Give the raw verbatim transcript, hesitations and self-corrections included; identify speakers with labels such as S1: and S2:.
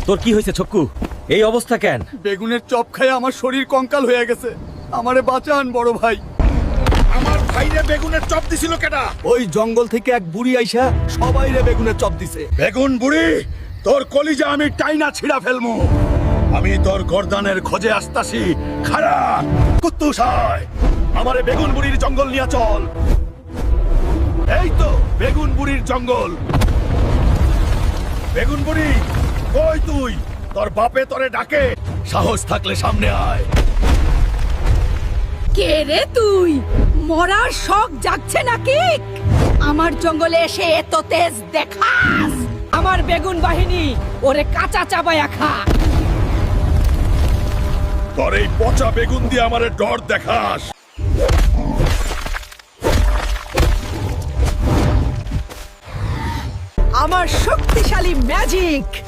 S1: তোর কি হয়েছে ছক্কু? এই অবস্থা কেন?
S2: বেগুনের চপ খায় আমার শরীর কঙ্কাল হয়ে গেছে। আমারে বাঁচান বড় ভাই।
S3: আমার ভাইরে বেগুনের চপ দিছিল কেডা?
S2: ওই জঙ্গল থেকে এক বুড়ি আইসা সবাইরে বেগুনের চপ দিছে।
S3: বেগুন বুড়ি, তোর কলিজা আমি টাইনা ছিড়া ফেলমু। আমি তোর গর্দানের খোঁজে আসতাছি। খাড়া কুত্তুস হয়, আমারে বেগুন বুড়ির জঙ্গল নিয়ে চল। এই তো বেগুন বুড়ির জঙ্গল। বেগুন বুড়ি কই তুই? তোর বাপে তোরে ডাকে, সাহস থাকলে সামনে আয়।
S4: কে রে তুই? মরার শখ জাগছে নাকি? আমার জঙ্গলে এসে এত তেজ দেখাস? আমার বেগুন বাহিনী ওরে কাঁচা চাবায়া খা।
S3: তোর এই পচা বেগুন দিয়ে আমারে ডর দেখাস?
S4: আমার শক্তিশালী ম্যাজিক